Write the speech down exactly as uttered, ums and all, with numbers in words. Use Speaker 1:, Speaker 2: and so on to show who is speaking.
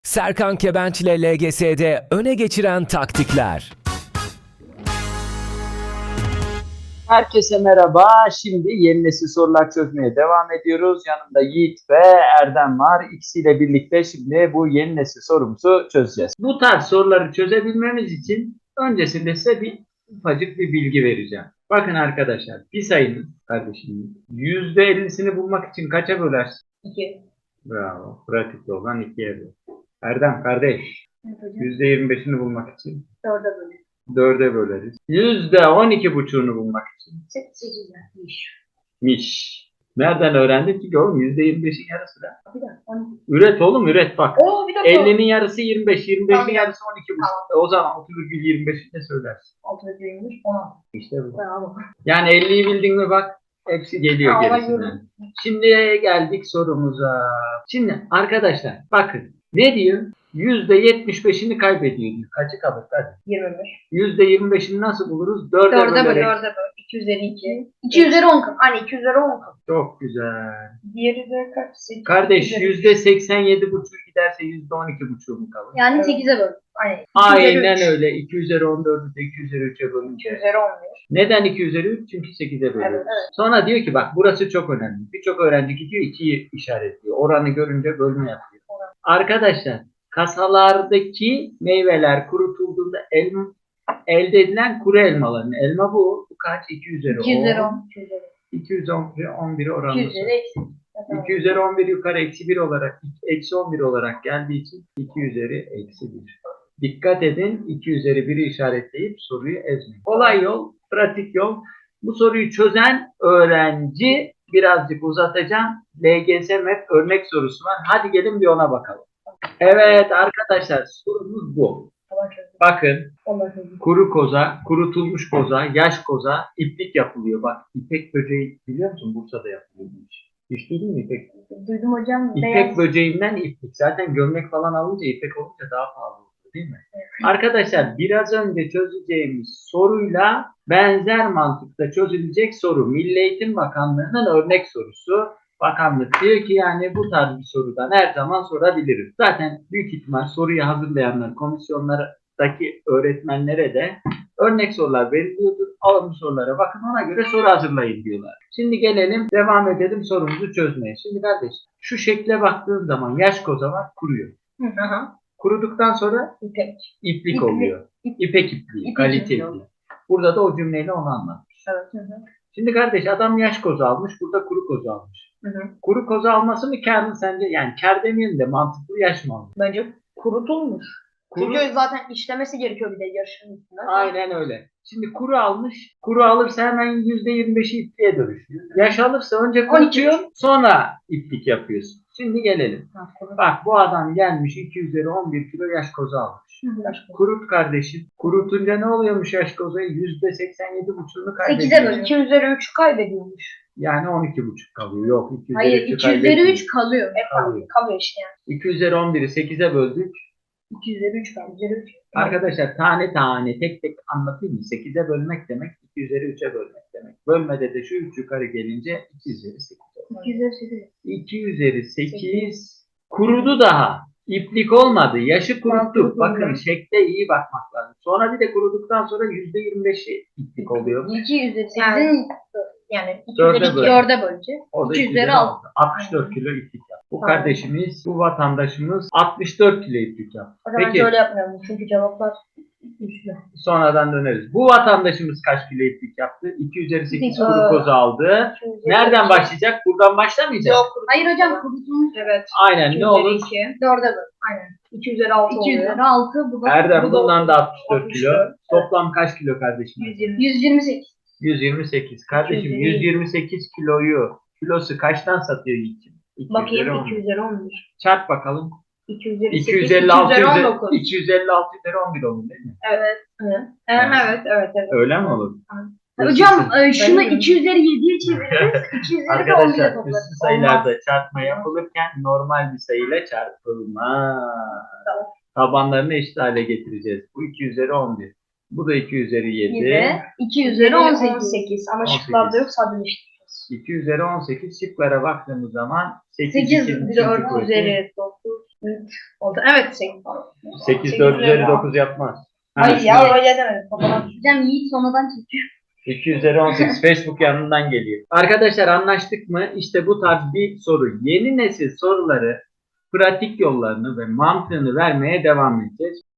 Speaker 1: Serkan Kebenç ile L G S'de öne geçiren taktikler.
Speaker 2: Herkese merhaba. Şimdi yeni nesil sorular çözmeye devam ediyoruz. Yanımda Yiğit ve Erdem var. İkisiyle birlikte şimdi bu yeni nesil sorumuzu çözeceğiz. Bu tarz soruları çözebilmemiz için öncesinde size bir ufacık bir bilgi vereceğim. Bakın arkadaşlar, bir sayının kardeşim yüzde ellisini bulmak için kaça bölersin?
Speaker 3: iki.
Speaker 2: Bravo. Pratikte olan ikiye böl. Erdem kardeş,
Speaker 3: Evet hocam.
Speaker 2: yüzde yirmi beşini bulmak için
Speaker 3: Dörde bölü.
Speaker 2: dörde böleriz. yüzde on iki buçuğunu bulmak için
Speaker 3: Sekiz yapmış.
Speaker 2: miş. Nereden öğrendin ki oğlum? yüzde yirmi beşin yarısı da.
Speaker 3: Bir dakika. on.
Speaker 2: Üret oğlum, üret bak.
Speaker 3: Oo bir dakika.
Speaker 2: ellinin yarısı yirmi beş, yirmi beşin
Speaker 3: Tamam.
Speaker 2: yarısı on iki buçuk. E, o zaman altı virgül yirmi beşi de söylersin.
Speaker 3: Altı ve yirmi on altı.
Speaker 2: İşte bu.
Speaker 3: Bravo.
Speaker 2: Yani elliyi bildin mi bak, hepsi geliyor
Speaker 3: Tamam,
Speaker 2: gerisinden.
Speaker 3: biliyorum.
Speaker 2: Şimdi geldik sorumuza. Şimdi arkadaşlar bakın ne diyor? yüzde yetmiş beşini kaybediyor diyor. Kaçı kalır? Hadi.
Speaker 3: yirmi beş.
Speaker 2: yüzde yirmi beşini nasıl buluruz? dörde
Speaker 3: Dörde böl.
Speaker 2: bölerek.
Speaker 3: Dörde böl. iki üzeri iki. iki üzeri on kap. Hani iki üzeri on kap.
Speaker 2: Çok güzel.
Speaker 3: Diğeri de kaç? sekiz.
Speaker 2: Kardeş
Speaker 3: üzeri-
Speaker 2: yüzde seksen yedi buçuk giderse yüzde on iki buçuk mu kalır?
Speaker 3: Yani
Speaker 2: Evet.
Speaker 3: sekize böl. Hani iki
Speaker 2: Aynen
Speaker 3: üzeri üç.
Speaker 2: öyle. iki üzeri on dördü de iki üzeri üçe
Speaker 3: iki
Speaker 2: bölünce.
Speaker 3: üzeri on bir.
Speaker 2: Neden iki üzeri üç? Çünkü sekize bölüyoruz.
Speaker 3: Evet, evet.
Speaker 2: Sonra diyor ki bak burası çok önemli. Birçok öğrenci gidiyor ikiyi işaretliyor. Oranı görünce bölme yapıyor.
Speaker 3: Oran.
Speaker 2: Arkadaşlar kasalardaki meyveler kurutulduğunda elma, elde edilen kuru elmaların. Elma bu. Bu kaç? iki üzeri on.
Speaker 3: iki üzeri on. iki üzeri
Speaker 2: iki üzeri on bir
Speaker 3: iki
Speaker 2: oranlısı.
Speaker 3: üzeri eksi. Tamam.
Speaker 2: iki üzeri on bir yukarı eksi bir olarak, eksi on bir olarak geldiği için iki üzeri eksi bir. Dikkat edin, iki üzeri biri işaretleyip soruyu ezmeyin. Kolay yol, pratik yol. Bu soruyu çözen öğrenci, birazcık uzatacağım. L G S M E P örnek sorusu var. Hadi gelin bir ona bakalım. Evet arkadaşlar, sorumuz bu.
Speaker 3: Tamam, çözdüm.
Speaker 2: Bakın,
Speaker 3: Ondan çözdüm.
Speaker 2: kuru koza, kurutulmuş koza, yaş koza, iplik yapılıyor. Bak, ipek böceği biliyor musun? Bursa'da yapılıyormuş. Hiç duydun mu ipek?
Speaker 3: Duydum hocam.
Speaker 2: İpek
Speaker 3: Beyaz.
Speaker 2: böceğinden iplik. Zaten gömlek falan alınca ipek olunca daha pahalı oluyor değil mi? Arkadaşlar biraz önce çözeceğimiz soruyla benzer mantıkta çözülecek soru. Milli Eğitim Bakanlığı'nın örnek sorusu. Bakanlık diyor ki yani bu tarz bir sorudan her zaman sorabiliriz. Zaten büyük ihtimal soruyu hazırlayanlar, komisyonlardaki öğretmenlere de örnek sorular veriliyordur. Alın bu sorulara bakın, ona göre soru hazırlayın diyorlar. Şimdi gelelim, devam edelim sorumuzu çözmeye. Şimdi kardeş şu şekle baktığın zaman yaş koza var, kuruyor.
Speaker 3: Hı hı.
Speaker 2: Kuruduktan sonra
Speaker 3: İpek.
Speaker 2: iplik
Speaker 3: İplik.
Speaker 2: oluyor.
Speaker 3: İp-
Speaker 2: İpek ipliği,
Speaker 3: İpek
Speaker 2: kalite
Speaker 3: ipliği.
Speaker 2: ipliği. Burada da o cümleyle onu anlatmış.
Speaker 3: Evet. Hı hı.
Speaker 2: Şimdi kardeş adam yaş koza almış, burada kuru koza almış.
Speaker 3: Hı hı.
Speaker 2: Kuru koza alması mı kâr mı sence? Yani kâr demeyelim de mantıklı, yaş mı almış?
Speaker 3: Bence kurutulmuş.
Speaker 2: Kuru,
Speaker 3: Çünkü zaten işlemesi gerekiyor bir de yarışın üstüne.
Speaker 2: aynen öyle. Şimdi kuru almış, kuru alırsa hemen yüzde yirmi beşi ipliğe dönüşüyor. Yaş alırsa önce
Speaker 3: on iki.
Speaker 2: kurutuyor, sonra iplik yapıyorsun. Şimdi gelelim.
Speaker 3: Ha, kurut.
Speaker 2: Bak bu adam gelmiş iki üzeri on bir kilo yaş koza almış.
Speaker 3: Hı hı. Başka.
Speaker 2: Kurut kardeşim. Kurutunca ne oluyormuş yaş kozayı? yüzde seksen yedi buçuğunu
Speaker 3: sekize
Speaker 2: kaybediyor.
Speaker 3: böl. iki üzeri üç kaybediyormuş.
Speaker 2: Yani on iki buçuk kalıyor. Yok iki üzeri
Speaker 3: Hayır,
Speaker 2: üçü
Speaker 3: iki üzeri
Speaker 2: kaybetmiyor.
Speaker 3: üç kalıyor. Hep
Speaker 2: Kalıyor.
Speaker 3: kalıyor. Kalıyor işte yani.
Speaker 2: iki üzeri on biri sekize böldük.
Speaker 3: iki üzeri üç kalıyor. üzeri üç.
Speaker 2: Arkadaşlar tane tane tek tek anlatayım mı? sekize bölmek demek iki üzeri üçe bölmek demek. Bölmede de şu üç yukarı gelince iki üzeri sekiz olur.
Speaker 3: iki üzeri sekiz.
Speaker 2: iki üzeri sekiz kurudu daha. İplik olmadı. Yaşı kuruttuk.
Speaker 3: kurutuldu.
Speaker 2: Bakın şekle iyi bakmak lazım. Sonra bir de kuruduktan sonra yüzde yirmi beşi iplik oluyor.
Speaker 3: iki üzeri sekizin yani iki
Speaker 2: Dörde
Speaker 3: üzeri iki
Speaker 2: böl.
Speaker 3: dörde böleceğiz.
Speaker 2: O da
Speaker 3: iki
Speaker 2: iki
Speaker 3: üzeri
Speaker 2: üzeri
Speaker 3: altı.
Speaker 2: altı. altmış dört kilo iplik yaptı. Bu
Speaker 3: Tamam.
Speaker 2: kardeşimiz, bu vatandaşımız altmış dört kilo iplik yaptı.
Speaker 3: O zaman
Speaker 2: Peki
Speaker 3: şöyle yapmayalım çünkü cevaplar üstlü.
Speaker 2: sonradan döneriz. Bu vatandaşımız kaç kilo iplik yaptı? iki üzeri sekiz
Speaker 3: İki.
Speaker 2: kuru koza aldı.
Speaker 3: iki üzeri
Speaker 2: Nereden
Speaker 3: üç.
Speaker 2: başlayacak? Buradan başlamayacak.
Speaker 3: Yok. Hayır hocam kurutulmuş. Evet.
Speaker 2: Aynen ne olur?
Speaker 3: iki. dörde böl. Aynen. iki üzeri altı iki oluyor. üzeri altı. Bu da
Speaker 2: Erdem
Speaker 3: bu da
Speaker 2: bundan da altmış dört
Speaker 3: altmış
Speaker 2: kilo.
Speaker 3: dört. Evet.
Speaker 2: Toplam kaç kilo kardeşim?
Speaker 3: yüz yirmi. yüz yirmi sekiz.
Speaker 2: yüz yirmi sekiz. Kardeşim
Speaker 3: yüz yirmi.
Speaker 2: yüz yirmi sekiz kiloyu kilosu kaçtan satıyor Yiğit'ciğim?
Speaker 3: Bakayım iki üzeri on bir.
Speaker 2: Çarp bakalım.
Speaker 3: iki üzeri
Speaker 2: iki
Speaker 3: sekiz.
Speaker 2: yüz elli altı
Speaker 3: iki üzeri on
Speaker 2: üzeri-
Speaker 3: dokuz.
Speaker 2: iki yüz elli altı üzeri on bir olur değil mi?
Speaker 3: Evet. Evet.
Speaker 2: Evet.
Speaker 3: Evet. Evet. Evet.
Speaker 2: Öyle mi olur?
Speaker 3: Hocam e, şunu
Speaker 2: Ben de-
Speaker 3: iki üzeri yediye çeviririz. iki üzeri de on bire
Speaker 2: Arkadaşlar
Speaker 3: toplarız.
Speaker 2: üstü sayılarda çarpma yapılırken normal bir sayıyla çarpılmaz.
Speaker 3: Tamam.
Speaker 2: Tabanlarını eşit hale getireceğiz. Bu iki üzeri on bir. Bu da iki üzeri yedi.
Speaker 3: yedi. iki üzeri on sekiz. Ama
Speaker 2: on sekiz.
Speaker 3: şıklarda yok sadeleştireceğiz.
Speaker 2: iki üzeri on sekiz şıklara baktığımız zaman sekiz,
Speaker 3: sekiz
Speaker 2: iki,
Speaker 3: dört
Speaker 2: kuvveti.
Speaker 3: üzeri dokuz. Oldu. Evet sekiz.
Speaker 2: sekiz dört üzeri
Speaker 3: üzeri
Speaker 2: dokuz yapmaz. Ha,
Speaker 3: Hayır ya
Speaker 2: şimdi
Speaker 3: öyle demedim. Kafadan
Speaker 4: Hocam Yiğit sonradan çekiyor.
Speaker 2: iki üzeri on sekiz Facebook yanından geliyor. Arkadaşlar anlaştık mı? İşte bu tarz bir soru. Yeni nesil soruları pratik yollarını ve mantığını vermeye devam edeceğiz.